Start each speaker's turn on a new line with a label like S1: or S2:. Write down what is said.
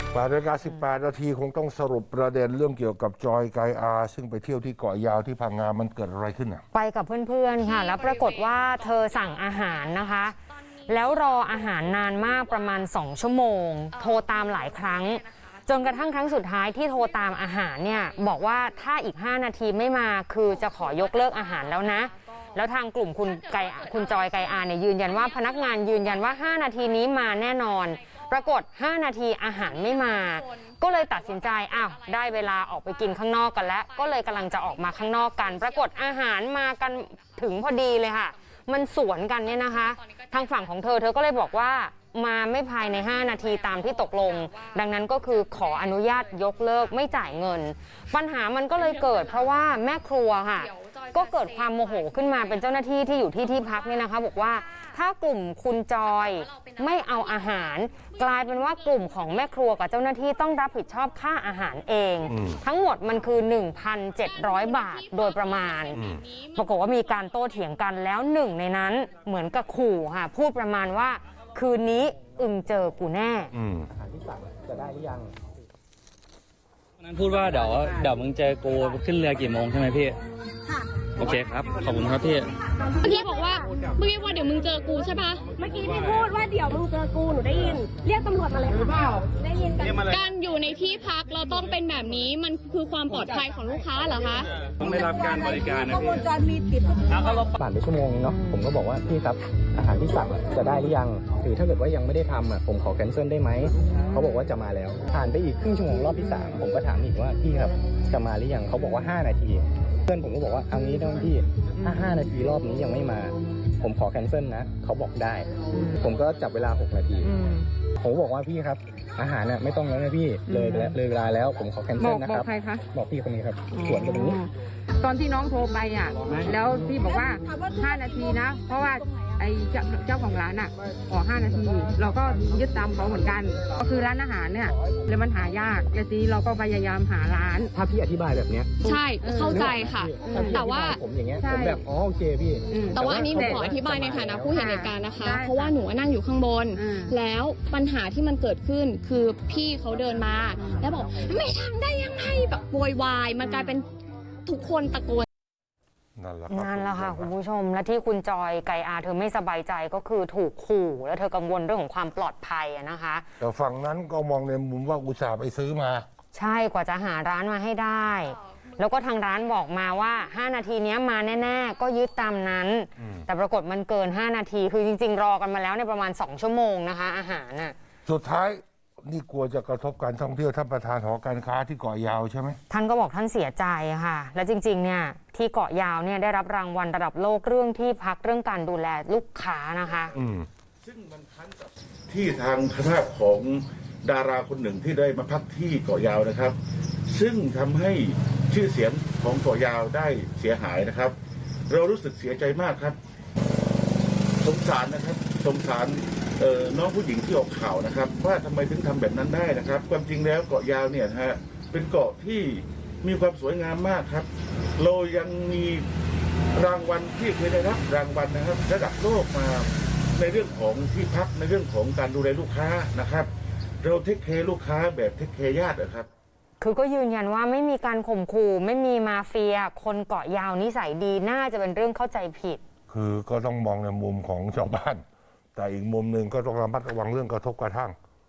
S1: 8:18 นาทีคงต้องสรุปประเด็นเรื่องเกี่ยวกับจอยไกอาซึ่งไปเที่ยวที่เกาะยาวที่พังงามันเกิดอะไรขึ้นอ่ะ
S2: ไปกับเพื่อนๆค่ะแล้วปรากฏว่าเธอสั่งอาหารนะคะแล้วรออาหารนานมากประมาณ2 ชั่วโมงโทรตามหลายครั้งจนกระทั่งครั้งสุดท้ายที่โทรตามอาหารเนี่ยบอกว่าถ้าอีก5 นาทีไม่มาคือจะขอยกเลิกอาหารแล้วนะแล้วทางกลุ่มคุณจอยไกอาเนี่ยยืนยันว่าพนักงานยืนยันว่า5 นาทีนี้มาแน่นอนปรากฏ5 นาทีอาหารไม่มาก็เลยตัดสินใจอ้าวได้เวลาออกไปกินข้างนอกกันแล้วก็เลยกำลังจะออกมาข้างนอกกันปรากฏอาหารมากันถึงพอดีเลยค่ะมันสวนกันเนี่ยนะคะทางฝั่งของเธอก็เลยบอกว่ามาไม่ภายใน5 นาทีตามที่ตกลงดังนั้นก็คือขออนุญาตยกเลิกไม่จ่ายเงินปัญหามันก็เลยเกิดเพราะว่าแม่ครัวค่ะก็เกิดความโมโหขึ้นมาเป็นเจ้าหน้าที่ที่อยู่ที่พักเนี่ยนะคะบอกว่าถ้ากลุ่มคุณจอยไม่เอาอาหารกลายเป็นว่ากลุ่มของแม่ครัวกับเจ้าหน้าที่ต้องรับผิดชอบค่าอาหารเองทั้งหมดมันคือ 1,700 บาทโดยประมาณปรากฏว่ามีการโต้เถียงกันแล้วหนึ่งในนั้นเหมือนกับขู่ค่ะพูดประมาณว่าคืนนี้อึงเจอกูแน่
S3: อาหารที่สั่งจะได้หรือยัง
S4: นั้นพูดว่าเดี๋ยวมึงเจอกูขึ้นเรือกี่โมงใช่ไหมพี่ค่ะโอเคครับขอบคุณครับพี่
S5: เมื่อกี้บอกว่าเดี๋ยวมึงเจอกูใช่ปะ
S6: เมื่อกี้พี่พูดว่าเดี๋ยวมึงเจอกูหนูได้ยินเรียกตำรวจมาเลยค่ะได้ยินกัน
S5: การอยู่ในที่พักเราต้องเป็นแบบนี้มันคือความปลอดภัยของลูกค้าเหรอคะ
S4: ต้องได้รับการบริการนะพี่
S3: ผ่านไปชั่วโมงนึงเนาะผมก็บอกว่าพี่ครับอาหารที่สั่งจะได้หรือยังหรือถ้าเกิดว่ายังไม่ได้ทำผมขอแคนเซิลได้ไหมเขาบอกว่าจะมาแล้วผ่านไปอีกครึ่งชั่วโมงรอบที่3ผมก็ถามอีกว่าพี่ครับจะมาหรือยังเขาบอกว่า5 นาทีเพื่อนผมก็บอกว่าเอางี้ได้พี่ถ้า5 นาทีรอบนี้ยังไม่มาผมขอแคนเซิลนะเขาบอกได้ผมก็จับเวลา6 นาทีผมบอกว่าพี่ครับอาหารน่ะไม่ต้องแล้วนะพี่เลยเวลาแล้วผมขอแคนเซิลนะครับ
S7: บอกใครคะ
S3: บอกพี่คนนี้ครับสวนกันตรงนี้
S7: ตอนที่น้องโทรไปแล้วพี่บอกว่า5 นาทีนะเพราะว่าไอ้เจ้าของร้านขอ5 นาทีเราก็ยึดตามเขาเหมือนกันก็คือร้านอาหารเนี่ยแล้วมันหายากแล้วทีนี้เราก็พยายามหาร้าน
S3: ถ้าพี่อธิบายแบบเนี้ย
S5: ใช่เข้าใจค่ะแต่ว่า
S3: ผมอย่างเงี้ยผมแบบโอเคพี่
S5: แต่ว่าอันนี้หนูขออธิบายในฐานะผู้เห็นเหตุการณ์นะคะเพราะว่าหนูนั่งอยู่ข้างบนแล้วปัญหาที่มันเกิดขึ้นคือพี่เขาเดินมาแล้วบอกไม่ทำได้ยังไงแบบโวยวายมันกลายเป็นทุกคนตะโกน
S1: นั่นแหละ
S2: ค่ะคุณผู้ชมและที่คุณจอยไกอาเธอไม่สบายใจก็คือถูกขู่และเธอกังวลเรื่องของความปลอดภัยนะคะ
S1: แต่ฝั่งนั้นก็มองในมุมว่าอุตส่าห์ไปซื้อมา
S2: ใช่กว่าจะหาร้านมาให้ได้แล้วก็ทางร้านบอกมาว่า5 นาทีนี้มาแน่ๆก็ยึดตามนั้นแต่ปรากฏมันเกิน5 นาทีคือจริงๆรอกันมาแล้วในประมาณ2 ชั่วโมงนะคะอาหาร
S1: สุดท้ายนี่กลัวจะกระทบการท่องเที่ยวท่านประธานหอการค้าที่เกาะยาวใช่ไหม
S2: ท่านก็บอกท่านเสียใจค่ะและจริงๆเนี่ยที่เกาะยาวเนี่ยได้รับรางวัลระดับโลกเรื่องที่พักเรื่องการดูแลลูกค้านะคะ
S8: ซึ่งมันคั้นกับที่ทางคณะของดาราคนหนึ่งที่ได้มาพักที่เกาะยาวนะครับซึ่งทำให้ชื่อเสียงของเกาะยาวได้เสียหายนะครับเรารู้สึกเสียใจมากครับสงสารนะครับสงสารน้องผู้หญิงที่ออกข่าวนะครับว่าทำไมถึงทำแบบนั้นได้นะครับความจริงแล้วเกาะยาวเนี่ยฮะเป็นเกาะที่มีความสวยงามมากครับเรายังมีรางวัลที่เคยได้รับรางวัลนะครับระดับโลกมาในเรื่องของที่พักในเรื่องของการดูแลลูกค้านะครับเราเทคแคร์ลูกค้าแบบเทคแคร์ญาตินะครับ
S2: คือก็ยืนยันว่าไม่มีการข่มขู่ไม่มีมาเฟียคนเกาะยาวนิสัยดีน่าจะเป็นเรื่องเข้าใจผิด
S1: คือก็ต้องมองในมุมของชาวบ้านแต่อีกมุมหนึ่งก็ต้องระมัดระวังเรื่องกระทบกระทั่ง